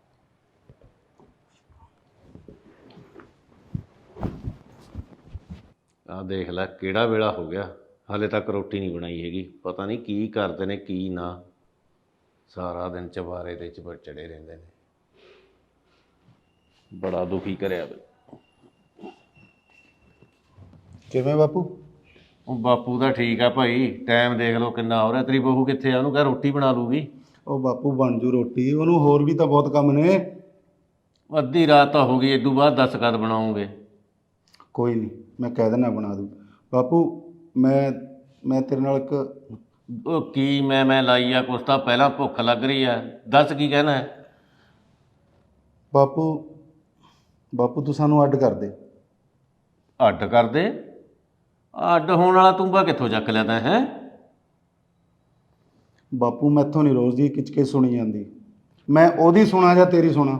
ਆਹ ਦੇਖ ਲੈ ਕਿਹੜਾ ਵੇਲਾ ਹੋ ਗਿਆ, ਹਾਲੇ ਤੱਕ ਰੋਟੀ ਨਹੀਂ ਬਣਾਈ ਹੈਗੀ। ਪਤਾ ਨਹੀਂ ਕੀ ਕਰਦੇ ਨੇ ਕੀ ਨਾ, ਸਾਰਾ ਦਿਨ ਚਵਾਰੇ ਦੇ ਚੜੇ ਰਹਿੰਦੇ ਨੇ। ਬੜਾ ਦੁਖੀ ਕਰਿਆ ਬਈ।
ਕਿਵੇਂ ਬਾਪੂ?
ਉਹ ਬਾਪੂ ਦਾ ਠੀਕ ਆ ਭਾਈ, ਟਾਈਮ ਦੇਖ ਲਓ ਕਿੰਨਾ ਹੋ ਰਿਹਾ। ਤੇਰੀ ਬਹੂ ਕਿੱਥੇ ਆ? ਉਹਨੂੰ ਕਹਿ ਰੋਟੀ ਬਣਾ ਲੂਗੀ।
ਉਹ ਬਾਪੂ ਬਣ ਜੂ ਰੋਟੀ, ਉਹਨੂੰ ਹੋਰ ਵੀ ਤਾਂ ਬਹੁਤ ਕੰਮ ਨੇ।
ਅੱਧੀ ਰਾਤ ਤਾਂ ਹੋ ਗਈ, ਇਦੋਂ ਬਾਅਦ 10 ਕਦ ਬਣਾਉਂਗੇ?
ਕੋਈ ਨਹੀਂ, ਮੈਂ ਕਹਿ ਦੇਣਾ ਬਣਾ ਦੂ। ਬਾਪੂ ਮੈਂ ਤੇਰੇ ਨਾਲ ਇੱਕ
ਉਹ ਕੀ ਮੈਂ ਲਾਈ ਆ? ਕੁਛ ਤਾਂ ਪਹਿਲਾਂ ਭੁੱਖ ਲੱਗ ਰਹੀ ਆ, ਦੱਸ ਕੀ ਕਹਿਣਾ ਹੈ?
ਬਾਪੂ ਤੂੰ ਸਾਨੂੰ ਅੱਡ ਕਰ ਦੇ।
ਅੱਡ ਕਰ ਦੇ? ਅੱਡ ਹੋਣ ਵਾਲਾ ਤੂੰ ਬਾ ਕਿੱਥੋਂ ਚੱਕ ਲਿਆ ਤੈਂ? ਹੈ
ਬਾਪੂ ਮੈਥੋਂ ਨਹੀਂ ਰੋਜ਼ ਦੀ ਕਿਚਕੇ ਸੁਣੀ ਜਾਂਦੀ, ਮੈਂ ਉਹਦੀ ਸੁਣਾ ਜਾਂ ਤੇਰੀ ਸੁਣਾ?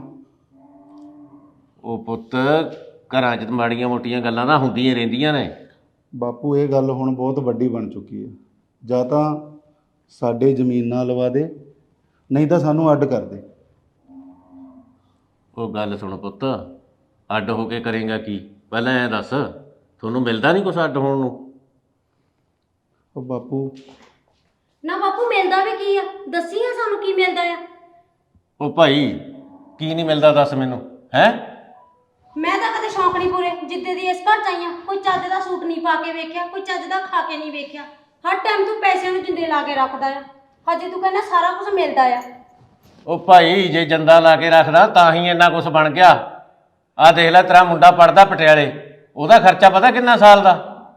ਉਹ ਪੁੱਤ ਘਰਾਂ 'ਚ ਮਾੜੀਆਂ ਮੋਟੀਆਂ ਗੱਲਾਂ ਤਾਂ ਹੁੰਦੀਆਂ ਰਹਿੰਦੀਆਂ ਨੇ।
ਬਾਪੂ ਇਹ ਗੱਲ ਹੁਣ ਬਹੁਤ ਵੱਡੀ ਬਣ ਚੁੱਕੀ ਹੈ। ਜਾਂ ਤਾਂ ਸਾਡੇ ਜ਼ਮੀਨ ਨਾਲ ਲਵਾ ਦੇ, ਨਹੀਂ ਤਾਂ ਸਾਨੂੰ ਅੱਡ ਕਰ ਦੇ।
ਉਹ ਗੱਲ ਸੁਣ ਪੁੱਤ, ਅੱਡ ਹੋ ਕੇ ਕਰੇਗਾ ਕੀ? ਪਹਿਲਾਂ ਐਂ ਦੱਸ, ਤੁਹਾਨੂੰ ਮਿਲਦਾ ਨਹੀਂ ਕੁਛ ਅੱਡ ਹੋਣ ਨੂੰ?
ਉਹ ਬਾਪੂ
ਨਾ ਬਾਪੂ ਮਿਲਦਾ ਵੀ ਕੀ ਆ? ਦੱਸੀ ਆ ਸਾਨੂੰ ਕੀ ਮਿਲਦਾ ਆ?
ਉਹ ਭਾਈ ਕੀ ਨਹੀਂ ਮਿਲਦਾ ਦੱਸ ਮੈਨੂੰ। ਹੈ
ਮੈਂ ਤਾਂ ਕਦੇ ਸ਼ੌਂਕ ਨਹੀਂ ਪੂਰੇ ਜਿੱਦੇ ਦੀ ਇਸ ਘਰ ਚ ਆਈ ਆਂ। ਕੋਈ ਚੱਜ ਦਾ ਸੂਟ ਨਹੀਂ ਪਾ ਕੇ ਵੇਖਿਆ, ਕੋਈ ਚੱਜ ਦਾ ਖਾ ਕੇ ਨਹੀਂ ਵੇਖਿਆ। ਹਰ ਟਾਈਮ ਤੂੰ ਪੈਸਿਆਂ ਨੂੰ ਜਿੰਦੇ ਲਾ ਕੇ ਰੱਖਦਾ ਆ। ਹਜੇ ਤੂੰ ਕਹਿੰਦਾ ਸਾਰਾ ਕੁਝ ਮਿਲਦਾ ਆ।
ਉਹ ਭਾਈ ਜੇ ਜੰਦਾ ਲਾ ਕੇ ਰੱਖਦਾ ਤਾਂ ਹੀ ਇੰਨਾ ਕੁਛ ਬਣ ਗਿਆ। ਆਹ ਦੇਖ ਲੈ ਤੇਰਾ ਮੁੰਡਾ ਪੜਦਾ ਪਟਿਆਲੇ, ਉਹਦਾ ਖਰਚਾ ਪਤਾ ਕਿੰਨਾ ਸਾਲ ਦਾ?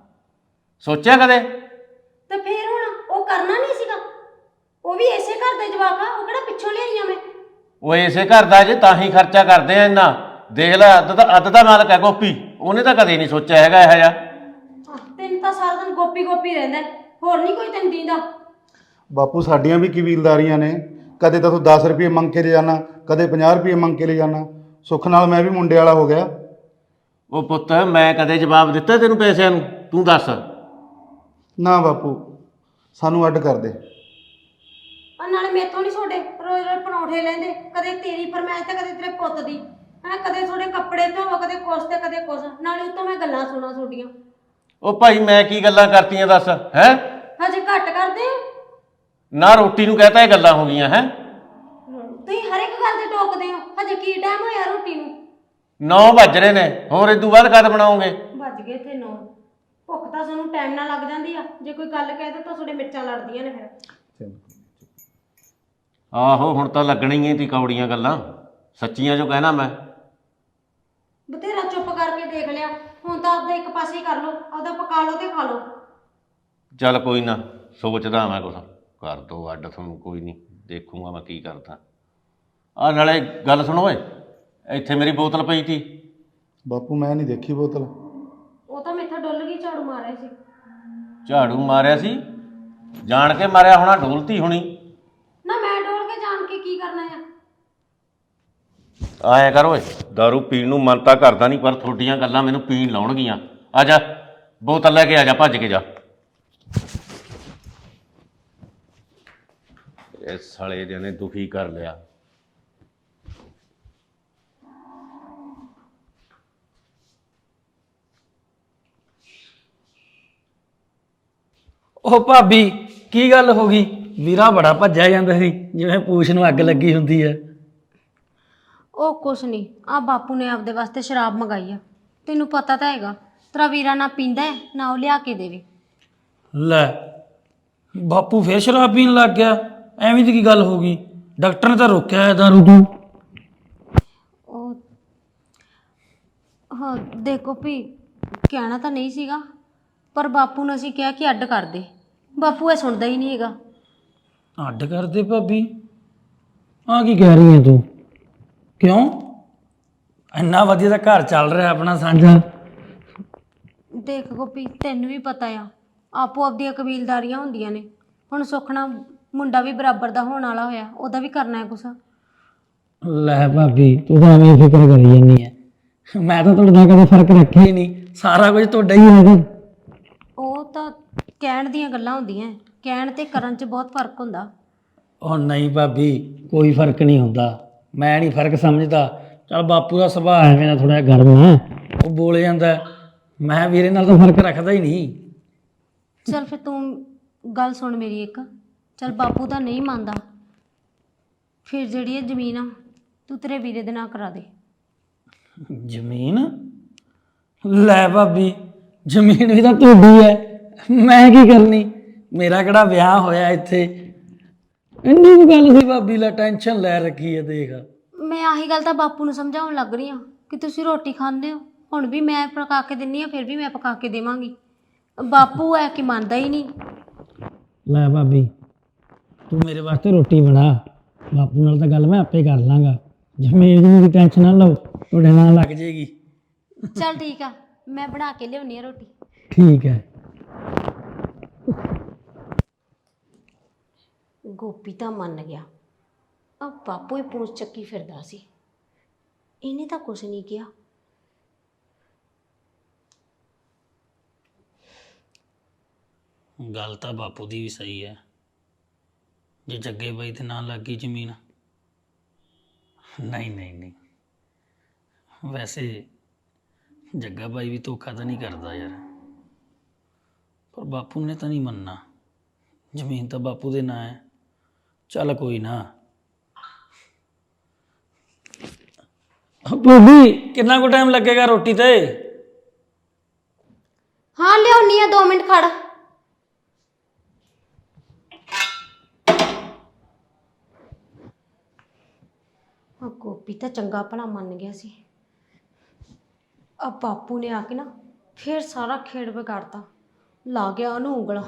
ਸੋਚਿਆ ਕਦੇ?
ਤੇ ਫੇਰ ਹੁਣ ਉਹ ਕਰਨਾ ਨਹੀਂ ਸੀਗਾ? ਉਹ ਵੀ ਇਸੇ ਘਰ ਦੇ ਜਵਾਕ ਆ, ਉਹ ਕਿਹੜਾ ਪਿੱਛੋਂ ਲਿਆਈ ਆ ਮੈਂ?
ਉਹ ਇਸੇ ਘਰ ਦਾ ਜੇ ਤਾਂ ਹੀ ਖਰਚਾ ਕਰਦੇ ਆ ਇੰਨਾ। ਦੇਖ ਲੈ, ਅੱਧ ਦਾ ਮਾਲਕ ਹੈ ਗੋਪੀ, ਉਹਨੇ ਤਾਂ ਕਦੇ ਨਹੀਂ ਸੋਚਿਆ ਹੈਗਾ ਇਹੋ ਜਿਹਾ।
ਤੈਨੂੰ ਤਾਂ ਸਾਰਾ ਦਿਨ ਗੋਪੀ ਗੋਪੀ ਰਹਿੰਦਾ, ਹੋਰ ਨਹੀਂ ਕੋਈ ਤੈਨੂੰ ਦੀਂਦਾ।
ਬਾਪੂ ਸਾਡੀਆਂ ਵੀ ਕਬੀਲਦਾਰੀਆਂ ਨੇ, ਕਦੇ ਤਾਂ ਤੂੰ 10 ਰੁਪਏ ਮੰਗ ਕੇ ਲੈ ਜਾਣਾ, ਕਦੇ 50 ਰੁਪਏ ਮੰਗ ਕੇ ਲੈ ਜਾਣਾ। ਸੁੱਖ ਨਾਲ ਮੈਂ ਵੀ ਮੁੰਡੇ ਵਾਲਾ ਹੋ ਗਿਆ।
ਉਹ ਪੁੱਤ, ਮੈਂ ਕਦੇ ਜਵਾਬ ਦਿੱਤਾ ਤੈਨੂੰ ਪੈਸਿਆਂ ਨੂੰ? ਤੂੰ ਦੱਸ।
ਨਾ ਬਾਪੂ, ਸਾਨੂੰ ਅੱਡ ਕਰ ਦੇ।
ਨਾਲੇ ਮੇਥੋਂ ਨਹੀਂ ਤੁਹਾਡੇ ਰੋਜ਼ ਰੋਜ਼ ਪਰੌਂਠੇ ਲੈਂਦੇ, ਕਦੇ ਤੇਰੀ ਫਰਮਾਇਸ਼ ਤੇ ਕਦੇ ਤੇਰੇ ਪੁੱਤ ਦੀ। ਕਦੇ ਤੁਹਾਡੇ ਕੱਪੜੇ ਧੋਵੋ, ਕਦੇ ਕੁਛ ਤੇ ਕਦੇ ਕੁਛ, ਨਾਲੇ ਉੱਤੋਂ ਮੈਂ ਗੱਲਾਂ ਸੁਣਾ ਤੁਹਾਡੀਆਂ।
ਉਹ ਭਾਈ ਮੈਂ ਕੀ ਗੱਲਾਂ ਕਰਤੀਆਂ ਦੱਸ ਹੈ?
ਹਜੇ ਘੱਟ ਕਰਦੇ ਹੋ।
ਨਾ ਰੋਟੀ ਨੂੰ ਕਹਤਾ ਇਹ ਗੱਲਾਂ ਹੋ ਗਈਆਂ ਹੈ?
ਤੁਸੀਂ ਹਰ ਇੱਕ ਗੱਲ ਤੇ ਟੋਕਦੇ ਹੋ। ਹਜੇ ਕੀ ਟਾਈਮ ਹੋਇਆ ਰੋਟੀ ਨੂੰ?
9 ਵੱਜ ਰਹੇ ਨੇ, ਹੋਰ ਇਦੋਂ ਬਾਅਦ ਕਦ ਬਣਾਓਗੇ?
ਵੱਜ ਗਏ ਇੱਥੇ 9। ਭੁੱਖ ਤਾਂ ਸਾਨੂੰ ਟਾਈਮ ਨਾਲ ਲੱਗ ਜਾਂਦੀ ਆ, ਜੇ ਕੋਈ ਗੱਲ ਕਹਿ ਦੋ ਤਾਂ ਤੁਹਾਡੇ ਮਿਰਚਾਂ ਲੜਦੀਆਂ ਨੇ ਫਿਰ।
ਆਹੋ, ਹੁਣ ਤਾਂ ਲੱਗਣਾ ਹੀ ਤੀ ਕੌੜੀਆਂ ਗੱਲਾਂ, ਸੱਚੀਆਂ ਜੋ ਕਹਿਣਾ ਮੈਂ।
ਬਥੇਰਾ ਚੁੱਪ ਕਰਕੇ ਦੇਖ ਲਿਆ, ਹੁਣ ਤਾਂ ਆਪਦਾ ਇੱਕ ਪਾਸੇ ਹੀ ਕਰ ਲਓ, ਆਪਦਾ ਪਕਾ ਲਓ ਤੇ ਖਾ ਲਓ।
ਚੱਲ ਕੋਈ ਨਾ, ਸੋਚਦਾ ਮੈਂ ਕੁਛ। ਕਰ ਦੋ ਅੱਡ ਤੁਹਾਨੂੰ, ਕੋਈ ਨਹੀਂ, ਦੇਖੂੰਗਾ ਮੈਂ ਕੀ ਕਰਦਾ। ਆਹ ਨਾਲੇ ਗੱਲ ਸੁਣੋ ਓਏ, ਇੱਥੇ ਮੇਰੀ ਬੋਤਲ ਪਈ ਤੀ।
ਬਾਪੂ ਮੈਂ ਨਹੀਂ ਦੇਖੀ ਬੋਤਲ।
ਉਹ ਤਾਂ ਮੈਥੋਂ ਡੁੱਲ ਗਈ, ਝਾੜੂ ਮਾਰਿਆ ਸੀ।
ਝਾੜੂ ਮਾਰਿਆ ਸੀ? ਜਾਣ ਕੇ ਮਾਰਿਆ ਹੋਣਾ, ਡੋਲਤੀ ਹੋਣੀ।
ਨਾ ਮੈਂ ਡੋਲ ਕੇ ਜਾਣ ਕੇ ਕੀ ਕਰਨਾ ਆ?
ਆਇਆ ਕਰ ਓਏ, ਦਾਰੂ ਪੀਣ ਨੂੰ ਮਨ ਤਾਂ ਕਰਦਾ ਨਹੀਂ, ਪਰ ਤੁਹਾਡੀਆਂ ਗੱਲਾਂ ਮੈਨੂੰ ਪੀਣ ਲਾਉਣਗੀਆਂ। ਆ ਜਾ, ਬੋਤਲ ਲੈ ਕੇ ਆ ਜਾ, ਭੱਜ ਕੇ ਜਾ। ਇਸ ਸਾਲੇ ਜਿਹੇ ਨੇ ਦੁਖੀ ਕਰ ਲਿਆ।
ਉਹ ਭਾਬੀ, ਕੀ ਗੱਲ ਹੋ ਗਈ? ਵੀਰਾ ਬੜਾ ਭੱਜਿਆ ਜਾਂਦਾ ਸੀ, ਜਿਵੇਂ ਪੂਛ ਨੂੰ ਅੱਗ ਲੱਗੀ ਹੁੰਦੀ ਹੈ।
ਉਹ ਕੁਛ ਨਹੀਂ, ਆ ਬਾਪੂ ਨੇ ਆਪਦੇ ਵਾਸਤੇ ਸ਼ਰਾਬ ਮੰਗਾਈ ਆ। ਤੈਨੂੰ ਪਤਾ ਤਾਂ ਹੈਗਾ, ਤੇਰਾ ਵੀਰਾ ਨਾ ਪੀਂਦਾ ਹੈ, ਨਾ ਉਹ ਲਿਆ ਕੇ ਦੇਵੇ।
ਲੈ, ਬਾਪੂ ਫੇਰ ਸ਼ਰਾਬ ਪੀਣ ਲੱਗ ਗਿਆ? ਐਵੇਂ ਦੀ ਕੀ ਗੱਲ ਹੋ ਗਈ? ਡਾਕਟਰ ਨੇ ਤਾਂ ਰੋਕਿਆ ਹੈ ਦਾਰੂ ਤੋਂ।
ਉਹ ਹਾਂ ਦੇਖੋ ਵੀ, ਕਹਿਣਾ ਤਾਂ ਨਹੀਂ ਸੀਗਾ, ਪਰ ਬਾਪੂ ਨੂੰ ਅਸੀਂ ਕਿਹਾ ਕਿ ਅੱਡ ਕਰ ਦੇ। ਬਾਪੂ ਇਹ ਸੁਣਦਾ ਹੀ ਨਹੀਂ ਹੈਗਾ।
ਅੱਡ ਕਰ ਦੇ ਭਾਬੀ? ਆ ਕੀ ਕਹਿ ਰਹੀ ਹੈ ਤੂੰ? ਕਿਉਂ? ਇੰਨਾ ਵਧੀਆ ਤਾਂ ਘਰ ਚੱਲ ਰਿਹਾ ਆਪਣਾ ਸਾਂਝਾ।
ਦੇਖ ਗੋਪੀ, ਤੈਨੂੰ ਵੀ ਪਤਾ ਆ, ਆਪੋ ਆਪਦੀਆਂ ਕਬੀਲਦਾਰੀਆਂ ਹੁੰਦੀਆਂ ਨੇ। ਹੁਣ ਸੁਖਣਾ ਮੁੰਡਾ ਵੀ ਬਰਾਬਰ ਦਾ ਹੋਣ ਵਾਲਾ ਹੋਇਆ, ਉਹਦਾ ਵੀ ਕਰਨਾ ਹੈ ਕੁਛ।
ਲੈ ਭਾਬੀ, ਤੂੰ ਤਾਂ ਐਵੇਂ ਫਿਕਰ ਕਰੀ ਜਾਂਦੀ ਹੈ। ਮੈਂ ਤਾਂ ਤੁਹਾਡੇ ਨਾਲ ਕਦੇ ਫਰਕ ਰੱਖਿਆ ਹੀ ਨਹੀਂ, ਸਾਰਾ ਕੁਝ ਤੁਹਾਡਾ ਹੀ ਹੈ।
ਉਹ ਤਾਂ ਕਹਿਣ ਦੀਆਂ ਗੱਲਾਂ ਹੁੰਦੀਆਂ, ਕਹਿਣ ਤੇ ਕਰਨ 'ਚ ਬਹੁਤ ਫਰਕ ਹੁੰਦਾ।
ਉਹ ਨਹੀਂ ਭਾਬੀ, ਕੋਈ ਫਰਕ ਨਹੀਂ ਹੁੰਦਾ। ਮੈਂ ਨਹੀਂ ਫਰਕ ਸਮਝਦਾ। ਚੱਲ ਬਾਪੂ ਦਾ ਸੁਭਾਅ ਹੈ ਮੇਰਾ ਥੋੜ੍ਹਾ ਜਿਹਾ ਗਰਮ ਹੈ, ਉਹ ਬੋਲ ਜਾਂਦਾ। ਮੈਂ ਵੀਰੇ ਨਾਲ ਤਾਂ ਫਰਕ ਰੱਖਦਾ ਹੀ ਨਹੀਂ।
ਚੱਲ ਫਿਰ ਤੂੰ ਗੱਲ ਸੁਣ ਮੇਰੀ ਇੱਕ। ਚੱਲ ਬਾਪੂ ਤਾਂ ਨਹੀਂ ਮੰਨਦਾ, ਫਿਰ ਜਿਹੜੀ ਇਹ ਜ਼ਮੀਨ ਆ ਤੂੰ ਤੇਰੇ ਵੀਰੇ ਦੇ ਨਾਂ ਕਰਾ ਦੇ।
ਜ਼ਮੀਨ? ਲੈ ਭਾਬੀ, ਜ਼ਮੀਨ ਵੀ ਤਾਂ ਤੁਹਾਡੀ ਹੈ, ਮੈਂ ਕੀ ਕਰਨੀ? ਮੇਰਾ ਕਿਹੜਾ ਵਿਆਹ ਹੋਇਆ ਇੱਥੇ? ਇੰਨੀ ਵੀ ਗੱਲ ਸੀ ਭਾਬੀ, ਲੈ ਟੈਨਸ਼ਨ ਲੈ ਰੱਖੀ ਹੈ। ਦੇਖ,
ਮੈਂ ਆਹੀ ਗੱਲ ਤਾਂ ਬਾਪੂ ਨੂੰ ਸਮਝਾਉਣ ਲੱਗ ਰਹੀ ਹਾਂ ਕਿ ਤੁਸੀਂ ਰੋਟੀ ਖਾਂਦੇ ਹੋ, ਹੁਣ ਵੀ ਮੈਂ ਪਕਾ ਕੇ ਦਿੰਦੀ ਹਾਂ, ਫਿਰ ਵੀ ਮੈਂ ਪਕਾ ਕੇ ਦੇਵਾਂਗੀ। ਬਾਪੂ ਹੈ ਕਿ ਮੰਨਦਾ ਹੀ ਨਹੀਂ।
ਲੈ ਭਾਬੀ, ਤੂੰ ਮੇਰੇ ਵਾਸਤੇ ਰੋਟੀ ਬਣਾ, ਬਾਪੂ ਨਾਲ ਤਾਂ ਗੱਲ ਮੈਂ ਆਪੇ ਕਰ ਲਾਂਗਾ। ਜ਼ਮੀਨ ਦੀ ਟੈਨਸ਼ਨ ਨਾ ਲਓ, ਤੁਹਾਡੇ ਨਾਲ ਲੱਗ ਜਾਏਗੀ।
ਚੱਲ ਠੀਕ ਆ, ਮੈਂ ਬਣਾ ਕੇ ਲਿਆਉਣੀ ਆ ਰੋਟੀ।
ਠੀਕ ਹੈ।
ਗੋਪੀ ਤਾਂ ਮੰਨ ਗਿਆ, ਆ ਬਾਪੂ ਹੀ ਪੂੰਛ ਚੱਕੀ ਫਿਰਦਾ ਸੀ, ਇਹਨੇ ਤਾਂ ਕੁਛ ਨਹੀਂ ਕਿਹਾ।
ਗੱਲ ਤਾਂ ਬਾਪੂ ਦੀ ਵੀ ਸਹੀ ਹੈ, ਜੇ ਜੱਗੇ ਬਾਈ ਦੇ ਨਾਂ ਲੱਗ ਗਈ ਜ਼ਮੀਨ। ਨਹੀਂ ਨਹੀਂ ਨਹੀਂ, ਵੈਸੇ ਜੱਗਾ ਬਾਈ ਵੀ ਧੋਖਾ ਤਾਂ ਨਹੀਂ ਕਰਦਾ ਯਾਰ, ਪਰ ਬਾਪੂ ਨੇ ਤਾਂ ਨਹੀਂ ਮੰਨਣਾ। ਜ਼ਮੀਨ ਤਾਂ ਬਾਪੂ ਦੇ ਨਾਂ ਹੈ। ਚੱਲ ਕੋਈ ਨਾ। ਭਾਬੀ, ਕਿੰਨਾ ਕੁ ਟਾਈਮ ਲੱਗੇਗਾ ਰੋਟੀ ਤੇ?
ਹਾਂ ਲਿਆਉਣੀ ਆ, 2 ਮਿੰਟ ਖੜ। ਆ ਗੋਪੀ ਤਾਂ ਚੰਗਾ ਭਲਾ ਮੰਨ ਗਿਆ ਸੀ, ਆ ਬਾਪੂ ਨੇ ਆ ਕੇ ਨਾ ਫੇਰ ਸਾਰਾ ਖੇਡ ਵਿਗਾੜਤਾ। ਲਾ ਗਿਆ ਉਹਨੂੰ ਉਂਗਲਾਂ।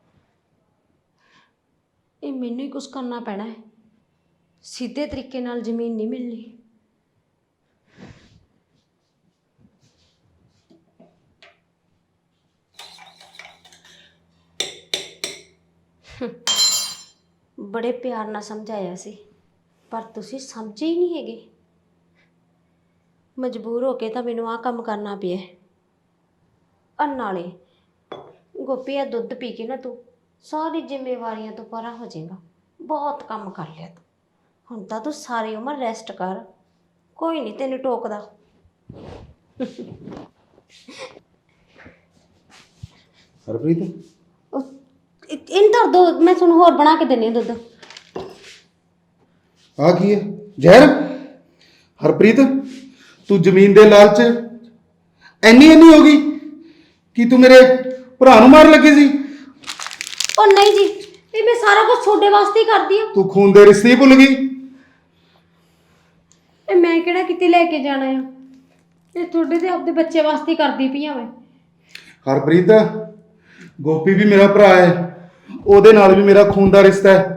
ਇਹ ਮੈਨੂੰ ਹੀ ਕੁਝ ਕਰਨਾ ਪੈਣਾ ਹੈ, ਸਿੱਧੇ ਤਰੀਕੇ ਨਾਲ ਜ਼ਮੀਨ ਨਹੀਂ ਮਿਲਣੀ। ਬੜੇ ਪਿਆਰ ਨਾਲ ਸਮਝਾਇਆ ਸੀ, ਪਰ ਤੁਸੀਂ ਸਮਝੇ ਹੀ ਨਹੀਂ ਹੈਗੇ। ਮਜਬੂਰ ਹੋ ਕੇ ਤਾਂ ਮੈਨੂੰ ਆਹ ਕੰਮ ਕਰਨਾ ਪਿਆ। ਨਾਲੇ ਗੋਪੀ, ਆ ਦੁੱਧ ਪੀ ਕੇ ਨਾ ਤੂੰ ਸਾਰੀ ਜ਼ਿੰਮੇਵਾਰੀਆਂ ਤੋਂ ਪਰਾਂ ਹੋ ਜਾਏਗਾ। ਬਹੁਤ ਕੰਮ ਕਰ ਲਿਆ ਤੂੰ, ਹੁਣ ਤਾਂ ਤੂੰ ਸਾਰੀ ਉਮਰ ਰੈਸਟ ਕਰ। ਕੋਈ ਨਹੀਂ ਤੈਨੂੰ ਟੋਕਦਾ।
ਹਰਪ੍ਰੀਤ,
ਇਹਨੂੰ ਧਰ ਦੋ, ਮੈਂ ਤੁਹਾਨੂੰ ਹੋਰ ਬਣਾ ਕੇ ਦਿੰਦੀ ਹਾਂ ਦੁੱਧ।
ਆ ਕੀ ਹੈ? ਜ਼ਹਿਰ? ਹਰਪ੍ਰੀਤ, ਤੂੰ ਜ਼ਮੀਨ ਦੇ ਲਾਲਚ ਇੰਨੀ ਹੋ ਗਈ ਕਿ ਤੂੰ ਮੇਰੇ ਭਰਾ ਨੂੰ ਮਾਰਨ ਲੱਗੀ ਸੀ?
ਉਹ ਨਹੀਂ ਜੀ, ਇਹ ਮੈਂ ਸਾਰਾ ਕੁਝ ਤੁਹਾਡੇ ਵਾਸਤੇ ਹੀ ਕਰਦੀ ਹਾਂ।
ਤੂੰ ਖੂਨ ਦੇ ਰਿਸ਼ਤੇ ਹੀ ਭੁੱਲ ਗਈ?
ਇਹ ਮੈਂ ਕਿਹੜਾ ਕਿਤੇ ਲੈ ਕੇ ਜਾਣਾ ਆ, ਇਹ ਤੁਹਾਡੇ ਤੇ ਆਪਦੇ ਬੱਚੇ ਵਾਸਤੇ ਹੀ ਕਰਦੀ ਪਈ ਆ ਮੈਂ।
ਹਰਪ੍ਰੀਤ, ਗੋਪੀ ਵੀ ਮੇਰਾ ਭਰਾ ਹੈ, ਉਹਦੇ ਨਾਲ ਵੀ ਮੇਰਾ ਖੂਨ ਦਾ ਰਿਸ਼ਤਾ ਹੈ।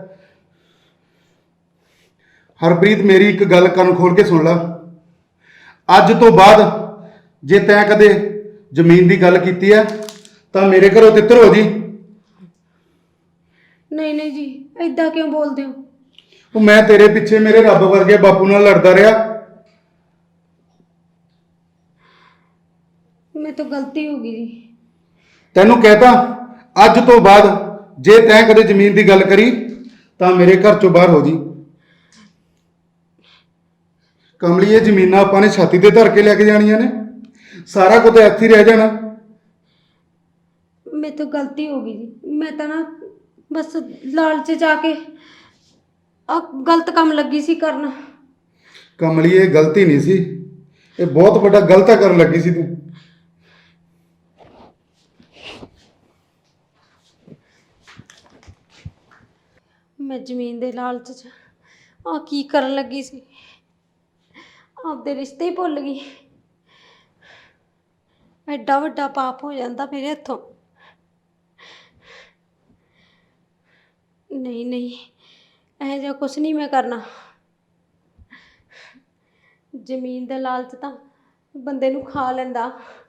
ਹਰਪ੍ਰੀਤ, ਮੇਰੀ ਇੱਕ ਗੱਲ ਕੰਨ ਖੋਲ ਕੇ ਸੁਣ ਲੈ। ਅੱਜ ਤੋਂ ਬਾਅਦ ਜੇ ਤੈਂ ਕਦੇ ਜ਼ਮੀਨ ਦੀ ਗੱਲ ਕੀਤੀ ਹੈ ਤਾਂ ਮੇਰੇ ਘਰੋਂ ਤਿੱਤਰ ਹੋ ਜੀ।
ਨਹੀਂ ਨਹੀਂ ਜੀ, ਐਦਾਂ ਕਿਉਂ ਬੋਲਦੇ ਹੋ?
ਉਹ ਮੈਂ ਤੇਰੇ ਪਿੱਛੇ ਮੇਰੇ ਰੱਬ ਵਰਗੇ ਬਾਪੂ ਨਾਲ ਲੜਦਾ ਰਿਹਾ।
ਮੇਰੇ ਤੋਂ ਗਲਤੀ ਹੋ ਗਈ ਜੀ।
ਤੈਨੂੰ ਕਹਿਤਾ, ਅੱਜ ਤੋਂ ਬਾਅਦ ਜੇ ਤੈਂ ਕਦੇ ਜ਼ਮੀਨ ਦੀ ਗੱਲ ਕਰੀ ਤਾਂ ਮੇਰੇ ਘਰ ਚੋਂ ਬਾਹਰ ਹੋ ਜੀ। ਕਮਲੀ, ਇਹ ਜ਼ਮੀਨਾਂ ਆਪਾਂ ਨੇ ਛਾਤੀ ਤੇ ਧਰ ਕੇ ਲੈ ਕੇ ਜਾਣੀਆਂ ਨੇ, ਸਾਰਾ ਕੁਝ ਇੱਥੇ ਹੀ ਰਹਿ ਜਾਣਾ।
ਮੇਰੇ ਤੋਂ ਗਲਤੀ ਹੋ ਗਈ ਜੀ। ਮੈਂ ਤਾਂ ਨਾ ਬਸ ਲਾਲਚ ਚ ਆ ਕੇ ਆ ਗਲਤ ਕੰਮ ਲੱਗੀ ਸੀ ਕਰਨ।
ਕਮਲੀ, ਇਹ ਗਲਤੀ ਨਹੀਂ ਸੀ, ਇਹ ਬਹੁਤ ਵੱਡਾ ਗਲਤ ਕਰਨ ਲੱਗੀ ਸੀ ਤੂੰ।
ਮੈਂ ਜ਼ਮੀਨ ਦੇ ਲਾਲਚ ਚ ਆ ਕੀ ਕਰਨ ਲੱਗੀ ਸੀ, ਆਪਦੇ ਰਿਸ਼ਤੇ ਹੀ ਭੁੱਲ ਗਈ। ਐਡਾ ਵੱਡਾ ਪਾਪ ਹੋ ਜਾਂਦਾ ਮੇਰੇ ਹੱਥੋਂ। ਨਹੀਂ ਨਹੀਂ, ਇਹੋ ਜਿਹਾ ਕੁਛ ਨਹੀਂ ਮੈਂ ਕਰਨਾ। ਜ਼ਮੀਨ ਦਾ ਲਾਲਚ ਤਾਂ ਬੰਦੇ ਨੂੰ ਖਾ ਲੈਂਦਾ।